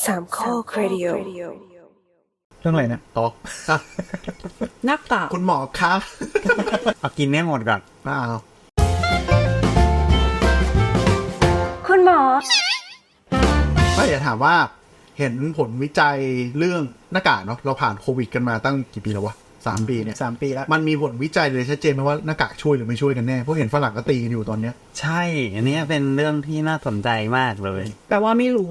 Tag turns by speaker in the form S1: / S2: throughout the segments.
S1: สามข้อครดิโอ
S2: เรื่องอะไรนะ
S3: ต่อ
S4: หน้ากาก
S3: คุณหมอคะ
S2: เอากินแน่หมดก่อน
S3: อ้าว
S1: คุณหมอ
S3: ไม่อยากถามว่าเห็นผลวิจัยเรื่องหน้ากากเนาะเราผ่านโควิดกันมาตั้งกี่ปีแล้ววะ3 ปีเนี่ย
S2: 3 ปีแล้ว
S3: มันมีผลวิจัยเลยชัดเจนไหมว่าหน้ากากช่วยหรือไม่ช่วยกันแน่เพราะเห็นฝรั่งก็ตีกันอยู่ตอนเนี้ย
S2: ใช่อันนี้เป็นเรื่องที่น่าสนใจมากเลย
S4: แปลว่าไม่รู้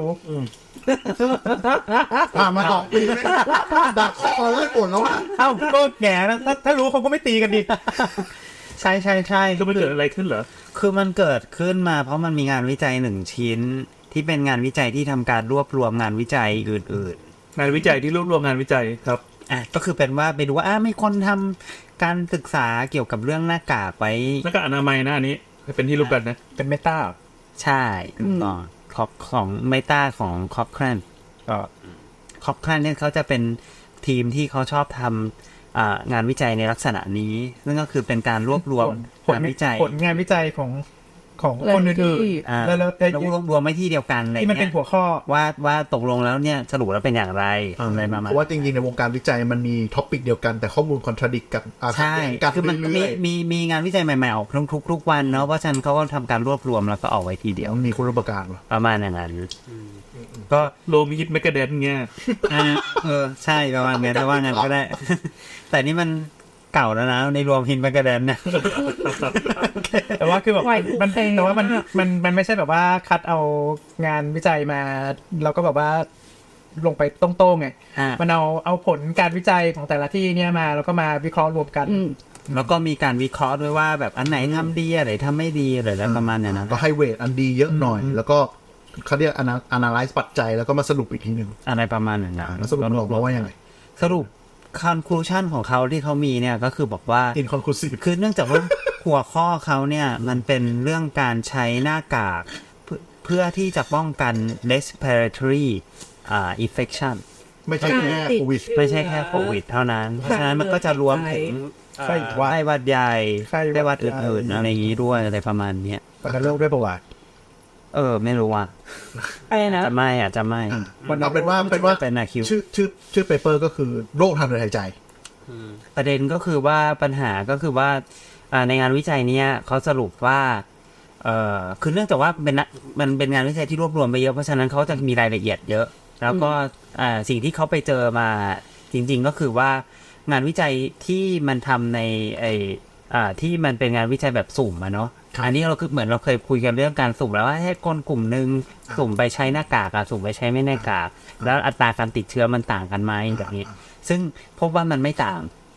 S3: มาต่อปีไม่ดักคอแล้วปวดแล้ว
S2: เอ้าก็แง่นะถ้ารู้เขาก็ไม่ตีกันดิใช่
S5: ก็ไม่เกิดอะไรขึ้นเหรอ
S2: คือมันเกิดขึ้นมาเพราะมันมีงานวิจัย1 ชิ้นที่เป็นงานวิจัยที่ทำการรวบรวมงานวิจัยอื่น
S5: งานวิจัยที่รวบรวมงานวิจัยครับ
S2: ก็คือเป็นว่าไปดูว่ามีคนทำการศึกษาเกี่ยวกับเรื่องหน้ากากไว้
S5: หน้ากากอนามัยนะอันนี้เป็นที่รู้กันนะ
S2: เป็นเมตาใช่ของเมตาของคอปแครนก็คอปแครนเนี่ยเขาจะเป็นทีมที่เขาชอบทำงานวิจัยในลักษณะนี้ซึ่งก็คือเป็นการรวบรวมงานวิจัย
S6: ผลงานวิจัยของคนอื่น
S2: ๆแล้วรวบรวมไว้ที่เดียวกัน
S6: ที่มันเป็นหัวข้อ
S2: ว่าตกลงแล้วเนี่ยสรุปแล้วเป็นอย่างไรอะไรมา
S3: เพราะว่าจริงๆในวงการวิจัยมันมีท็อปิกเดียวกันแต่ข้อมูลคอนทราดิกกัน
S2: ใช่คือมันมีงานวิจัยใหม่ๆออกทุกวันเนาะเพราะฉะนั้นเขาก็ทำการรวบรวมแล้วก็ออกไว้ทีเดียว
S3: มีคุณรับประกัน
S2: ประมาณอย่างนั้น
S5: ก็โลมิดเมกะเดนเงี้ย
S2: ใช่ประมาณนี้แต่ว่างั้นก็ได้แต่นี่มันเก่าแล้วนะในรวมฮินแมกกาเดนเนี่ย
S6: แต่ว่าคือแบบมันแต่ว่ามันไม่ใช่แบบว่าคัดเอางานวิจัยมาแล้วก็แบบว่าลงไปตรงๆไงมันเอาผลการวิจัยของแต่ละที่เนี่ยมาแล้วก็มาวิเคราะห์รวมกัน
S2: แล้วก็มีการวิเคราะห์ด้วยว่าแบบอันไหนทำดีอะไรทำไม่ดีอะไรแล้วประมาณอย่างนั้น
S3: ก็ให้เวทอันดีเยอะหน่อยแล้วก็เขาเรียกanalyze ปัจจัยแล้วก็มาสรุปอีกทีนึง
S2: อะไรประมาณนั้น
S3: แล้วสรุปเราว่ายังไง
S2: สรุปconclusion ของเขาที่เขามีเนี่ยก็คือบอกว่า
S3: inconclusive
S2: คือเนื่องจากว่าหัวข้อเขาเนี่ยมันเป็นเรื่องการใช้หน้ากากเพื่อที่จะป้องกัน respiratory infection
S3: ไม่ใช่แค่โควิด
S2: เท่านั้นเพราะฉะนั้นมันก็จะรวมถึงไข้หวัดใหญ่ไข้หวัดอื่นๆอะไรอย่างนี้ด้วยอะไรประมาณนี้
S3: ประกันโรคด้วยประวัติ
S2: ไม่รู้ว่า
S4: อะไรนะ
S2: จะไม่
S3: เอาเป็นว่า
S2: เป็นคิว
S3: ชื่อเปเปอร์ก็คือโรคทางเดินหายใจ
S2: ประเด็นก็คือว่าปัญหาก็คือว่าในงานวิจัยเนี้ยเขาสรุปว่าคือเนื่องจากว่ามันเป็นงานวิจัยที่รวบรวมไปเยอะเพราะฉะนั้นเขาจะมีรายละเอียดเยอะแล้วก็สิ่งที่เขาไปเจอมาจริงๆก็คือว่างานวิจัยที่มันทำในที่มันเป็นงานวิจัยแบบสุ่มอะเนาะอันนี้เราคือเหมือนเราเคยคุยกันเรื่องการสุ่มแล้วว่าให้คนกลุ่มนึงสุ่มไปใช้หน้ากากสุ่มไปใช้ไม่หน้ากากแล้วอัตราการติดเชื้อมันต่างกันไหมแบบนี้ซึ่งพบว่ามันไม่ต่าง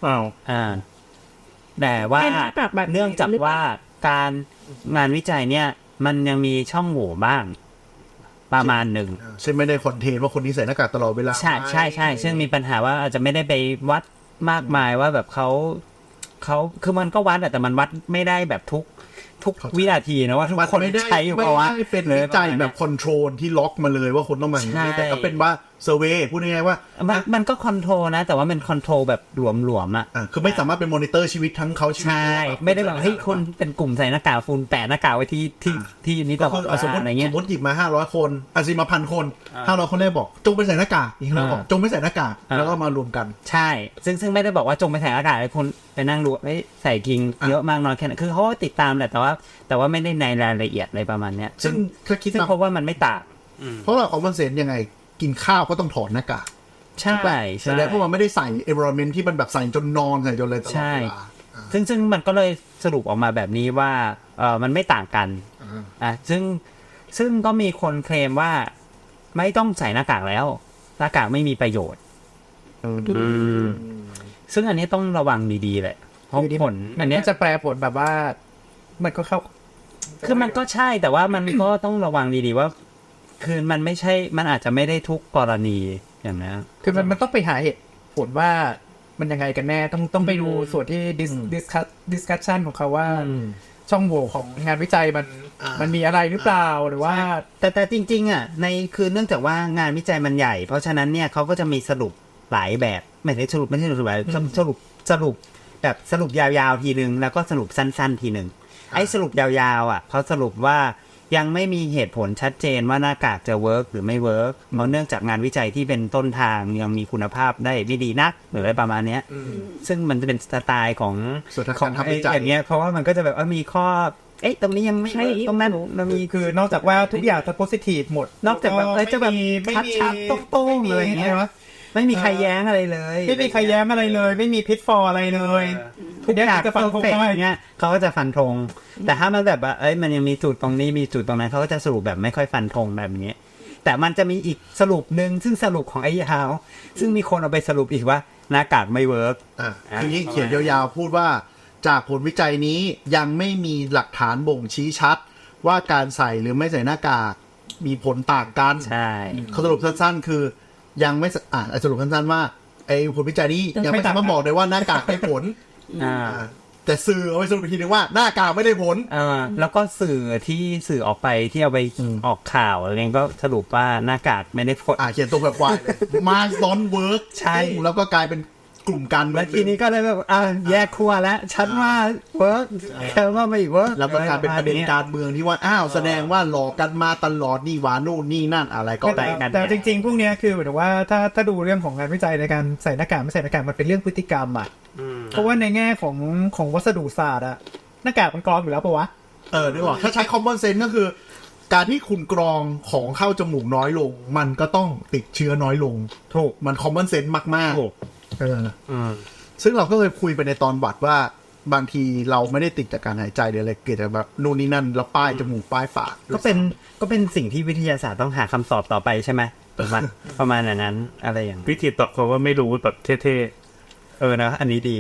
S2: แต่ว่าเนื่องจากว่าการงานวิจัยเนี่ยมันยังมีช่องโหว่บ้างประมาณหนึ่ง
S3: ใช่ไม่ได้คอนเทนต์ว่าคนนี้ใส่หน้ากากตลอดเวลา
S2: ใช่ซึ่งมีปัญหาว่าอาจจะไม่ได้ไปวัดมากมายว่าแบบเขาคือมันก็วัดแต่มันวัดไม่ได้แบบทุกวินาทีนะว่าทุกคนใช้อยู่เพราะว่า
S3: ไม่เป็นวิจัยแบบคอนโทรลที่ล็อกมาเลยว่าคนต้องมาแต่ก็เป็นว่าเซอร์เวย์พูดง่ายๆว่า
S2: มันก็คอนโทรลนะแต่ว่ามันคอนโทรลแบบหลวมๆ
S3: คือไม่สามารถเป็นมอนิเตอร์ชีวิตทั้งเขาชีวิต
S2: ใช่ไม่ได้แบบเฮ้ยคนเป็นกลุ่มใส่หน้ากากฝุ่นแปะหน้ากากไว้ที่นี้ตลอด
S3: สมมติหยิบมา500คนสิมา1,000 คน500 คนแรกบอกจงไปใส่หน้ากากอีกแล้วบอกจงไม่ใส่หน้ากากแล้วก็มารวมกัน
S2: ใช่ซึ่งไม่ได้บอกว่าจงไปใส่หน้ากากให้คนไปนั่งดูใส่กิงเยอะมากน้อยแค่ไหนคือเขาติดตามแหละแต่ว่าไม่ได้ในรายละเอียดอะไรประมาณนี้
S3: ซึ่ง
S2: เพราะว่ามันไม่ต่าง
S3: เพราะเราเอาเซนยังไงกินข้าวก็ต้องถอดหน้ากาก
S2: ใช่
S3: แสดงเพราะมันไม่ได้ใส่ environment ที่มันแบบใส่จนนอนใส่จนเลยตลอดเวลา
S2: ซึ่งมันก็เลยสรุปออกมาแบบนี้ว่ามันไม่ต่างกันซึ่งก็มีคนเคลมว่าไม่ต้องใส่หน้ากากแล้วหน้ากากไม่มีประโยชน์ซึ่งอันนี้ต้องระวังดีๆเลยเพราะผล
S6: อันนี้จะแปลผลแบบว่ามันก็เข้า
S2: คือมันก็ใช่แต่ว่ามันก็ต้องระวังดีๆว่าคือมันไม่ใช่มันอาจจะไม่ได้ทุกกรณีอย่างนั้น
S6: คือมันต้องไปหาเหตุผลว่ามันยังไงกันแน่ต้องไปดูส่วนที่discussion ของเขาว่าช่องโหว่ของงานวิจัยมันมีอะไรหรือเปล่าหรือว่า
S2: แต่จริงๆในคือเนื่องจากว่างานวิจัยมันใหญ่เพราะฉะนั้นเนี่ยเขาก็จะมีสรุปหลายแบบไม่ใช่สรุปแบบสรุปยาวๆทีนึงแล้วก็สรุปสั้นๆทีนึงไอ้สรุปยาวๆเขาสรุปว่ายังไม่มีเหตุผลชัดเจนว่าหน้ากากจะเวิร์กหรือไม่เวิร์กเพราะเนื่องจากงานวิจัยที่เป็นต้นทางยังมีคุณภาพได้ไม่ดีนักหรืออะไรประมาณเนี้ยซึ่งมันจะเป็นสไตล์ของ
S3: ส่วนทาง
S2: ขอ
S3: กาง รทำวิจัย
S2: อย่างเงี้ยเพราะว่ามันก็จะแบบมีข้อตรงนี้ยังไม่
S4: ใช่
S2: ตรงนั้นมันมี
S6: คือนอกจากว่าทุกอย่างจะโพสิทีฟหมด
S2: นอกจากแบบจะแบบชัดๆโต้งๆเลยอย่างเงี้ยวะไม่มีใครแย้งอะไรเลย
S6: ไม่มีใครแย้มอะไรเลย ไม่มีพิษฟออะไรเลยทุกอย่างจะฟันธงได้
S2: เงี้ยเขาก็จะฟันธงแต่ถ้ามันแบบว่ามันยังมีจุดตรงนี้มีจุดตรงนั้นเขาก็จะสรุปแบบไม่ค่อยฟันธงแบบนี้แต่มันจะมีอีกสรุปหนึ่งซึ่งสรุปของไอ้ฮาวซึ่งมีคนเอาไปสรุปอีกว่าหน้ากากไม่เวิร์ก
S3: คือยิ่งเขียนยาวๆพูดว่าจากผลวิจัยนี้ยังไม่มีหลักฐานบ่งชี้ชัดว่าการใส่หรือไม่ใส่หน้ากากมีผลต่างกัน
S2: ใช่
S3: เขาสรุปสั้นๆคือยังไม่สรุปสั้นๆว่าไอ้ผลวิจัยนี้ยังไม่สามารถบอกได้ว่าหน้ากากได้ผลแต่สื่อเอาไปสรุปอีกทีนึงว่าหน้ากากไม่ได้ผล
S2: แล้วก็สื่อออกไปที่เอาไปออกข่าวอะไรเงี้ยก็สรุปว่าหน้ากากไม่ได้ผล
S3: เขียนตรงแบบวายเลยมาดอนเวิร์กใช่แล้วก็กลายเป็นกลุ่มการเมือง
S2: แล้วทีนี้ก็เลยแบบแยกขั้วแล้วชัดว่าเวิร์กแค่ว่าไม่เวิร์ก
S3: แล้วก็กลายเป็นประเด็นการเมืองที่ว่าแสดงว่าหลอกกันมาตลอดนี่หวานู่นนี่นั่นอะไรก็
S6: แต่จริงๆพวกนี้คือหมายถึงว่าถ้าดูเรื่องของงานวิจัยในการใส่หน้ากากไม่ใส่หน้ากากมันเป็นเรื่องพฤติกรรมเพราะว่าในแง่ของวัสดุศาสตร์หน้ากากมันกรองอยู่แล้วปะวะ
S3: นึกออกถ้าใช้ common sense ก็คือการที่คุณกรองของเข้าจมูกน้อยลงมันก็ต้องติดเชื้อน้อยลงถูกมัน common sense มากๆซึ่งเราก็เคยคุยไปในตอนบัดว่าบางทีเราไม่ได้ติดจากการหายใจหรืออะไรเกิดจากแบบนู่นนี่นั่นแล้วป้ายจมูกป้ายปาก
S2: ก็เป็นสิ่งที่วิทยาศาสตร์ต้องหาคำตอบต่อไปใช่ไหมประมาณนั้นอะไรอย่าง
S5: วิธีตอบเขาว่าไม่รู้แบบเท่
S2: ๆนะอันนี้ดี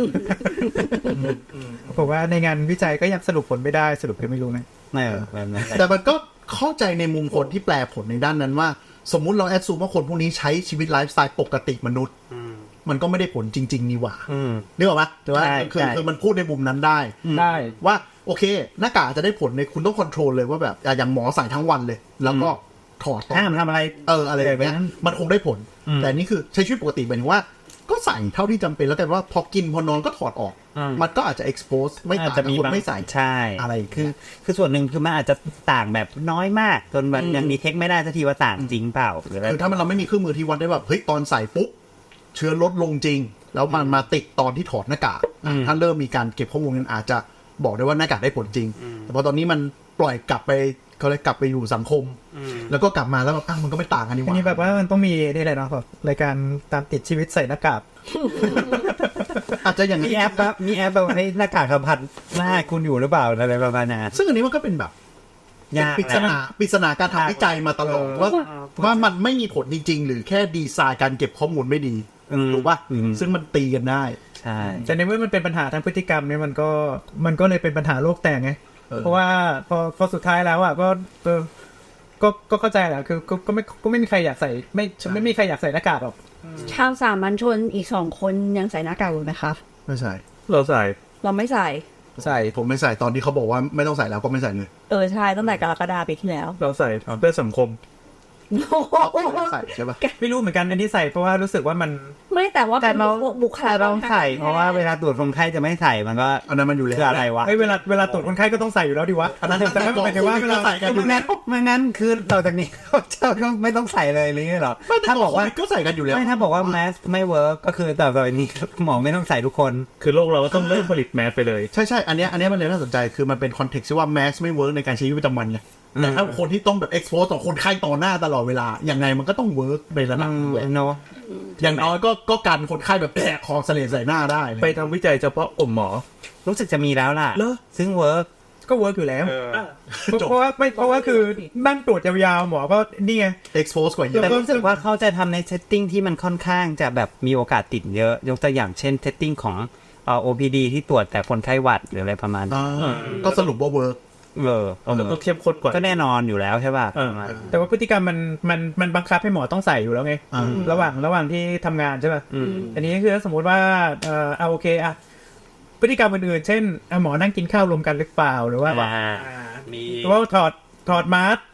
S6: ผมว่าในงานวิจัยก็ยังสรุปผลไม่ได้สรุปไม่รู้นะ
S2: แบบนั้น
S3: แต่มันก็เข้าใจในมุมคนที่แปลผลในด้านนั้นว่าสมมุติเราแอดซูมว่าคนพวกนี้ใช้ชีวิตไลฟ์สไตล์ปกติมนุษย์มันก็ไม่ได้ผลจริงๆนี่หว่านึกออกไหมแต่ว่าคือมันพูดในมุมนั้นได้ว่าโอเคหน้ากากจะได้ผลในคุณต้องคอนโทรลเลยว่าแบบอย่างหมอใส่ทั้งวันเลยแล้วก็ถอด
S2: ห้ามทำอะไร
S3: อะไรแบบนี้มันคงได้ผลแต่นี่คือใช้ชีวิตปกติหมายถึงว่าก็ใส่เท่าที่จำเป็นแล้วแต่ว่าพอกินพอนอนก็ถอดออกมันก็อาจจะ expose ไม่ต่างกับคนไม่ใส่
S2: ใช่
S3: อะไร
S2: คือส่วนหนึ่งคือมันอาจจะต่างแบบน้อยมากจนมันยังดีเทคไม่ได้สักทีว่าต่างจริงเปล่า
S3: คือถ้าเราไม่มีเครื่องมือที่วัดได้แบบเฮ้ยตอนใส่ปุ๊บเชื้อลดลงจริงแล้วมันมาติดตอนที่ถอดหน้ากากถ้าเริ่มมีการเก็บข้อมูลนั้นอาจจะบอกได้ว่าหน้ากากได้ผลจริงแต่พอตอนนี้มันปล่อยกลับไปเขาเลยกลับไปอยู่สังคมแล้วก็กลับมาแล้วแบบมันก็ไม่ต่างกันนี่หว่า
S6: อันนี้แบบว่ามันต้องมีนี่แหละเนาะแบบรายการตามติดชีวิตใส่หน้ากาก
S3: อาจจะอย่าง
S2: มีแอปแบบให้หน้ากากสัมผัสหน้าคุณอยู่หรือเปล่าอะไรประมาณนั้น
S3: ซึ่งอันนี้มันก็เป็นแบบปริศนาการทำวิจัยมาตลอดว่ามันไม่มีผลจริงๆหรือแค่ดีไซน์การเก็บข้อมูลไม่ดีถูกป่ะซึ่งมันตีกันได้
S2: ใช่
S6: แต่ในเมื่อมันเป็นปัญหาทางพฤติกรรมเนี่ยมันก็เลยเป็นปัญหาโลกแตกไงเพราะว่าพอสุดท้ายแล้วก็เข้าใจแหละคือก็ไม่มีใครอยากใส่ไม่มีใครอยากใส่หน้ากากหรอก
S4: ชาวสามัญชนอีก2 คนยังใส่หน้ากากอยู่ไหมครับ
S3: ไม่ใส่
S5: เราใส่
S4: เราไม่ใส่
S3: ผมไม่ใส่ตอนที่เขาบอกว่าไม่ต้องใส่แล้วก็ไม่ใส่เลย
S4: ใช่ตั้งแต่กรกฎาคมปีที่แล้ว
S5: เราใส่เพื่อสังคม
S3: ใส่ใช่ปะ
S6: ไม่รู้เหมือนกันอันที่ใส่เพราะว่ารู้สึกว่ามัน
S4: ไม่แต่ว่า
S2: เรา
S4: บุคลากร
S2: ต้องใส่เพราะว่าเวลาตรวจคนไข้จะไม่ใส่มันก็
S3: อันนั้นมันอยู่แล้ว
S2: อะไรวะ
S6: เวลาตรวจคนไข้ก็ต้องใส่อยู่แล้วดิวะ
S3: อันนั้นแต่ไม่
S6: ใช่ว่าเวลา
S3: ใส่กันอยู่แล้ว
S2: ไม่งั้นคือต่อจากนี้เขาก็ไม่ต้องใส่เลยหรือไงหรอถ้าบอกว่า
S3: ก็ใส่กันอยู่แล้ว
S2: ไม่ถ้าบอกว่าแมสไม่เวิร์กก็คือต่อจากนี้หมอไม่ต้องใส่ทุกคน
S5: คือโลกเราก็ต้องเลิกผลิตแมสไปเลย
S3: ใช่อันนี้มันเลยน่าสนใจคือมันเป็นคอนเท็กซ์ที่ว่าแมสไม่เวิร์กในการใช้ชีวิตประจำวันไงแต่ถ้าคนที่ต้องแบบ expose ต่อคนไข้ต่อหน้าตลอดเวลาอย่างไงมันก็ต้องเวิร์กในระดับ
S2: เนาะ
S3: อย่างน้อยก็กันคนไข้แบบแตกคอเสลดใส่หน้าได้
S5: ไปทำวิจัยเฉพาะกลุ่มหมอ
S2: รู้สึกจะมีแล้วล่ะซึ่งเวิร์ก
S6: ก็เวิร์กอยู่แล้วเพราะว่าคือนั่งตรวจยาวๆหมอก็นี่ไง
S3: expose กว่าเยอะ
S2: แต่รู้สึกว่าเขาจะทำในเซตติ้งที่มันค่อนข้างจะแบบมีโอกาสติดเยอะยกตัวอย่างเช่นเซตติ้งของOPD ที่ตรวจแต่คนไข้หวัดหรืออะไรประมาณ
S3: ก็สรุปว่าเวิร์ก
S5: ก็เข้มข้นกว่า
S2: ก็แน่นอนอยู่แล้วใช่ป่ะ
S6: แต่ว่าพฤติกรรมมันบังคับให้หมอต้องใส่อยู่แล้วไงระหว่างที่ทำงานใช่ป่ะอันนี้คือสมมติว่าโอเคพฤติกรรมอื่นๆเช่นหมอนั่งกินข้าวรวมกันหรือเปล่าหรือว่า
S2: มี
S6: หรือว่าถอดมาสก์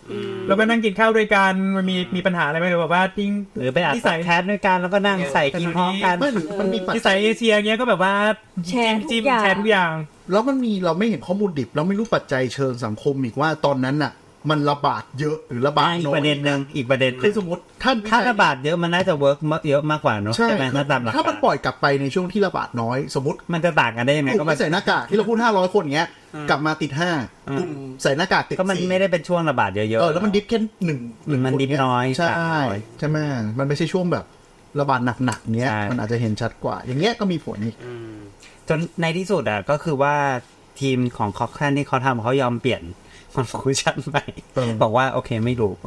S6: แล้วก็นั่งกินข้าวด้วยกันมันมีปัญหาอะไรไหมหรือแบบว่าทิ้ง
S2: หรือไปอัด
S6: ที่ใส่
S2: แคสด้วยกันแล้วก็นั่งใส่กินพร้อมกัน
S3: ไม่มันมีปัจ
S6: ที่ใส่เอเชียเงี้ยก็แบบว่า
S4: แชร์ทุก
S6: จิ้ม
S4: อย่าง
S6: แชร์ทุกอย่าง
S3: แล้วมันมีเราไม่เห็นข้อมูลดิบเราไม่รู้ปัจจัยเชิงสังคมอีกว่าตอนนั้นน่ะ มันระบาดเยอะหรือระบาด
S2: อีก
S3: น้อย
S2: ประเด็นหนึ่งอีกประเด็นห
S3: คื
S2: นึ่
S3: อง สมมติท่าน
S2: ถ้าระบาดเยอะมันน่าจะเวิร์กเยอะมากกว่าเนอะ
S3: ใช่
S2: ไหมถ้าตามหลัก
S3: ถ้ามัน
S2: การ
S3: ปล่อยกลับไปในช่วงที่ระบาดน้อย สมมติ
S2: มันจะต่างกันได้ยังไง
S3: กลุ่
S2: ก็
S3: ม
S2: มั
S3: ไม่ใส่หน้ากากที่เราพูด500 คนเงี้ยกลับมาติด5กลุ่มใส่หน้ากากติด
S2: ก็มัน
S3: 4
S2: ไม่ได้เป็นช่วงระบาดเยอะๆ
S3: แล้วมันดิฟแค่1
S2: มันดิฟน้อย
S3: ใช่
S2: น้อย
S3: ใช่ไหมมันไม่ใช่ช่วงแบบระบาดหนักๆเนี้ย
S2: ใช่
S3: มันอาจจะเห็นชัดกว่า อย่างเงี้ยก็มีผลอีก
S2: จนในที่สุดอ่ะก็คือว่าทีมของคอคแคนที่เขาทำเขายอมเปลี่ยนคอนฟูชั่นไป
S3: เออ
S2: บอกว่าโอเคไม่รู้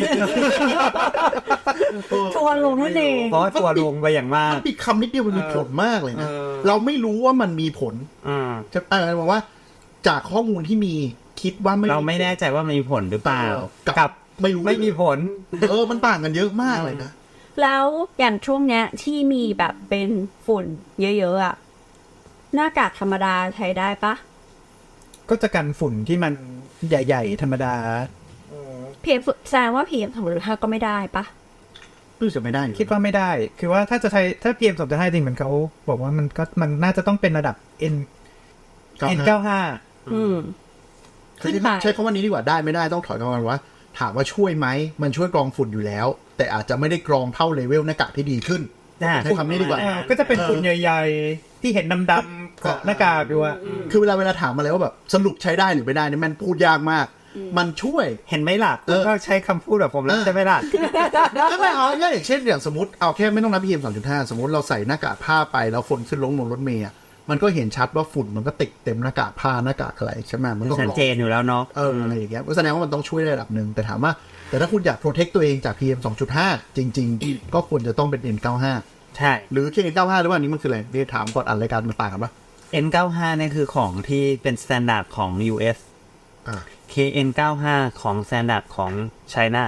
S4: ทัวร์ลงนั่นเอง
S2: เพราะว่าตัวลงไปอย่างมาก
S3: มันมีคำนิดเดียวมันมีผลมากเลยนะ
S2: เออ
S3: เราไม่รู้ว่ามันมีผล
S2: อืม
S3: จะบอกว่าจากข้อมูลที่มีคิดว่าไม่
S2: เราไม่แน่ใจว่ามันมีผลหรือเปล่า
S3: กับไม่รู้
S2: ไม่มีผล
S3: มันต่างกันเยอะมากเลยนะ
S4: แล้วอย่างช่วงเนี้ยที่มีแบบเป็นฝุ่นเยอะๆอ่ะหน้ากากธรรมดาใช้ได้ปะ
S6: ก็จะกันฝุ่นที่มันใหญ่ๆธรรมดา
S4: PM แสดงว่า PM2.5ก็ไม่ได้ปะ
S3: รู้สึกไม่ได้อยู่
S6: คิดว่าไม่ได้ คือว่าถ้าจะใช้ถ้า PM2.5 จริงเหมือนเขาบอกว่ามันน่าจะต้องเป็นระดับ N95
S4: อืม
S3: คือ
S4: ขึ้นไป
S3: ใช้คำว่านี้ดีกว่าได้ไม่ได้ต้องถอยกลับมาว่า ถามว่าช่วยไหมมันช่วยกรองฝุ่นอยู่แล้ว แต่อาจจะไม่ได้กรองเท่าเลเวลหน้ากากที่ดีขึ้นใช้คำนี้ดีกว่า
S6: ก็จะเป็นฝุ่นใหญ่ๆ ที่เห็นดำๆเกาะหน้ากากอยู่อะ
S3: คือเวลาถามมาแล้วว่าแบบสรุปใช้ได้หรือไม่ได้เนี่ยมันพูดยากมาก มันช่วย
S2: เห็นไหมล่ะคุณก็ใช้คำพูดแบบผมแล้วใช่ไหมล่ะ
S3: ไม่เอาอย่างเช่นอย่างสมมติเอาแค่ไม่ต้องนับ PM 2.5 สมมติเราใส่หน้ากากผ้าไปแล้วคนขึ้นลงรถเมล์มันก็เห็นชัดว่าฝุ่นมันก็ติดเต็มหน้ากากผ้าหน้ากากอะไรใช่ไหมมันก็
S2: ชัดเจนอยู่แล้วเนาะ
S3: อะไรอย่างเงี้ยก็แสดงว่ามันต้องช่วยได้ระดับหนึ่งแต่ถามว่าแต่ถ้าคุณอยากโปรเทคตัวเองจาก PM 2.5 จริง ๆ ก็ควรจะต้องเป็น N95
S2: ใช่
S3: หรือแค่ N95 หรือว่าอันนี้มันคืออะไรที่ถามก่อนอันรายการมันต่างกันปะ
S2: N95 เนี่ยคือของที่เป็นสแตนดาร์ดของ US
S3: อ่า
S2: KN95 ของสแตนดาร์ดของ China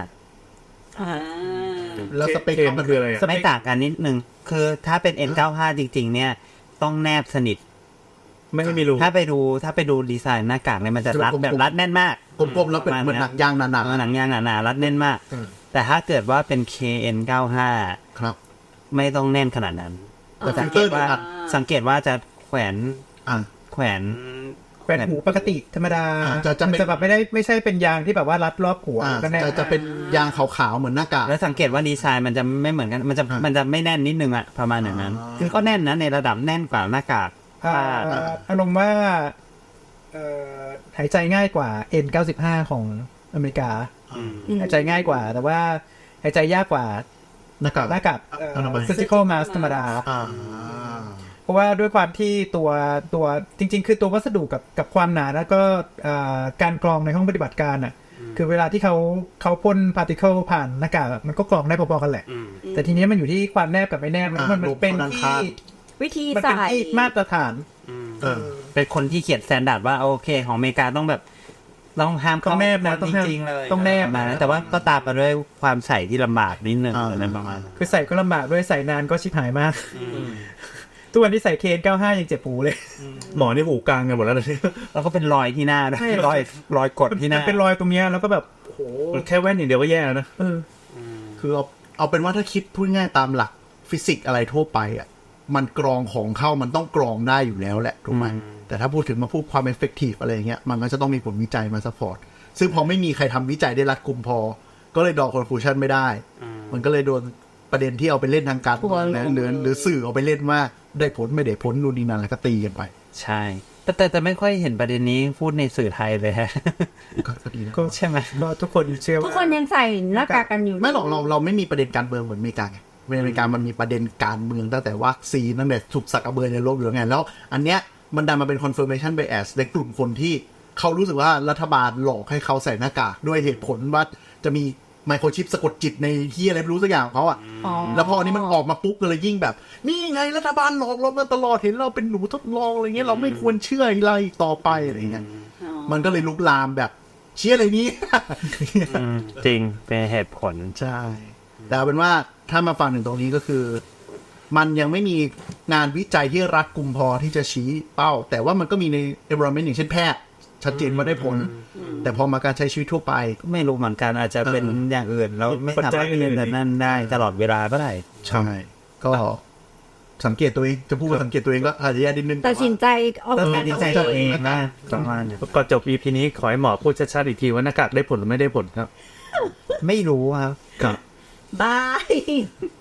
S3: แล้วสเปค
S5: เกมมันคืออะไรอะ
S2: ไม่ต่างกันนิดนึง คือถ้าเป็น N95 จริงๆ เนี่ยต้องแนบสนิท
S5: ไม่มีรู
S2: ถ้าไปดูดีไซน์หน้ากากเนี่ยมันจะรัดแบบรัดแน่นมาก
S3: กลมๆแล้วเป็นเหมือนหนังยางหนา
S2: หนังยางหนาๆรัดแน่นมาก
S3: อืม
S2: แต่ถ้าเกิดว่าเป็น KN95
S3: ๆครับ
S2: ไม่ต้องแน่นขนาดนั้น
S3: แต่ฟิ
S2: สั
S3: ล
S2: ง
S3: เต
S2: เก
S3: อ
S2: ต
S3: ร์
S2: ว่า
S3: อัด
S2: สังเกตว่าจะแขวน
S3: อ่า
S2: แขวน
S6: แขวนหูปกติธรรมดา
S3: จะเป็น
S6: มันจะแบบไม่ใช่เป็นยางที่แบบว่ารัดรอบหัวก็แน่
S3: จะเป็นยางขาวๆเหมือนหน้ากาก
S2: แล้วสังเกตว่าดีไซน์มันจะไม่เหมือนกันมันจะไม่แน่นนิดนึงอะประมาณอย่างนั้น คือก็แน่นนะในระดับแน่นกว่าหน้ากาก
S6: อารมณ์ว่าหายใจง่ายกว่า N95 ของอเมริกาหายใจง่ายกว่า แต่ว่าหายใจยากกว่า
S3: หน้ากาก
S6: หน้ากาก
S3: อนามัย
S6: surgical mask ธรรมดา
S3: อ่า
S6: เพราะว่าด้วยความที่ตัวจริง ๆ คือตัววัสดุกับความหนาแล้วก็การกรองในห้องปฏิบัติการอ่ะ คือเวลาที่เขาพ่นพาร์ติเคิลผ่านหน้ากากมันก็กรองได้พอๆกันแหละ แต่ทีนี้มันอยู่ที่ความแนบกับไม่แนบมันเป็นที่
S4: วิธี
S6: มันเป็น
S4: ใส่
S6: ที่มาตรฐาน
S2: เป็นคนที่เขียนสแตนดาร์ดว่าโอเคของอเมริกาต้องแบบต้องห้าม
S6: ต้องแนบนะ
S2: จริงๆเลย
S6: ต้องแนบ
S2: มาแต่ว่าก็ตามมาด้วยความใส่ที่ลำบากนิดนึงอะไรประมาณนั้น
S6: คือใส่ก็ลำบากด้วยใส่นานก็ชิบหายมากทุกวันที่ใส่KN95ยังเจ็บหูเลย
S5: หมอนี่หูกลางกันหมดแล้วนะ
S2: แล้วก็เป็นรอยที่หน้าด้วย
S6: ใช่
S2: รอยกดที่หน้า
S6: เป็นรอยตรงเนี้ยแล้วก็แบบ
S5: แค่แว่นอย่างเดียวก็แย่แล้วนะ
S3: คือเอาเป็นว่าถ้าคิดพูดง่ายตามหลักฟิสิกส์อะไรทั่วไปอ่ะมันกรองของเข้ามันต้องกรองได้อยู่แล้วแหละถูกไหมแต่ถ้าพูดถึงมาพูดความ effective อะไรอย่างเงี้ยมันก็จะต้องมีผลวิจัยมาซัพพอร์ตซึ่งพอไม่มีใครทำวิจัยได้รัดกุมพอ ก็เลยดอกคอนฟูชันไม่ได้ มันก็เลยโดนประเด็นที่เอาไปเล่นทางการหรือสื่อเอาไปเล่นว่าได้ผลไม่ได้ผลนู่นนี่นั่นแล้วก็ตีกันไป
S2: ใช่แต่ไม่ค่อยเห็นประเด็นนี้พูดในสื่อไทยเลยฮะ
S3: ก็ดีนะ
S6: ก็
S2: ใช่ไหม
S6: ก็ทุกคนเชื่อ
S4: ทุก
S6: ว่า
S4: คนยังใส่หน้ากากกันอยู่
S3: ไม่หรอกเราไม่มีประเด็นการเมืองเหมือนอเมริกาไงอเมริกามันมีประเด็นการเมืองตั้งแต่วัคซีนตั้งแต่สุกสักกระเบือในโลกอยู่แล้วไงแล้วอันเนี้ยมันดันมาเป็น confirmation bias ในกลุ่มคนที่เขารู้สึกว่ารัฐบาลหลอกให้เขาใส่หน้ากากด้วยเหตุผลว่าจะมีไมโครชิปสะกดจิตในที่อะไรไม่รู้สักอย่างของเขาอ่ะ แล้วพออันนี้มันออกมาปุ๊บก็เลยยิ่งแบบนี่ไงรัฐบาลหลอกเรามาตลอดเห็นเราเป็นหนูทดลองอะไรเงี้ยเราไม่ควรเชื่ออะไรต่อไปอะไรเงี้ยมันก็เลยลุกลามแบบเชื่ออะไรนี้
S2: จริงเป็นเหตุผล
S3: ใช่ แต่เอาเป็นว่าถ้ามาฟังถึงตรงนี้ก็คือ มันยังไม่มีงานวิจัยที่รัดกุมพอที่จะชี้เป้า แต่ว่ามันก็มีใน environment อย่างเช่นแพทย์ชัดเจนว่าได้ผล แต่พอมาการใช้ชีวิตทั่วไป
S2: ก็ไม่รู้เหมือนกันอาจจะเป็นอย่างอื่นแล้วไม่สามารถเรียนแต่นั่นได้ตลอดเวลาเมื่อไหร่
S3: ใช่ก็สังเกตตัวเองจะพูดว่าสังเกตตัวเองก็อาจจะแย่นิดนึง
S4: ตัดสินใจออก
S2: ตัด
S4: การ
S2: สินใจตัวเองนะประมาณนี้
S5: ก่อนจบ EP นี้ขอให้หมอพูดชัดๆอีกทีว่าหน้ากากได้ผลหรือไม่ได้ผลครับ
S2: ไม่รู้ครับ
S5: ครับ
S4: บาย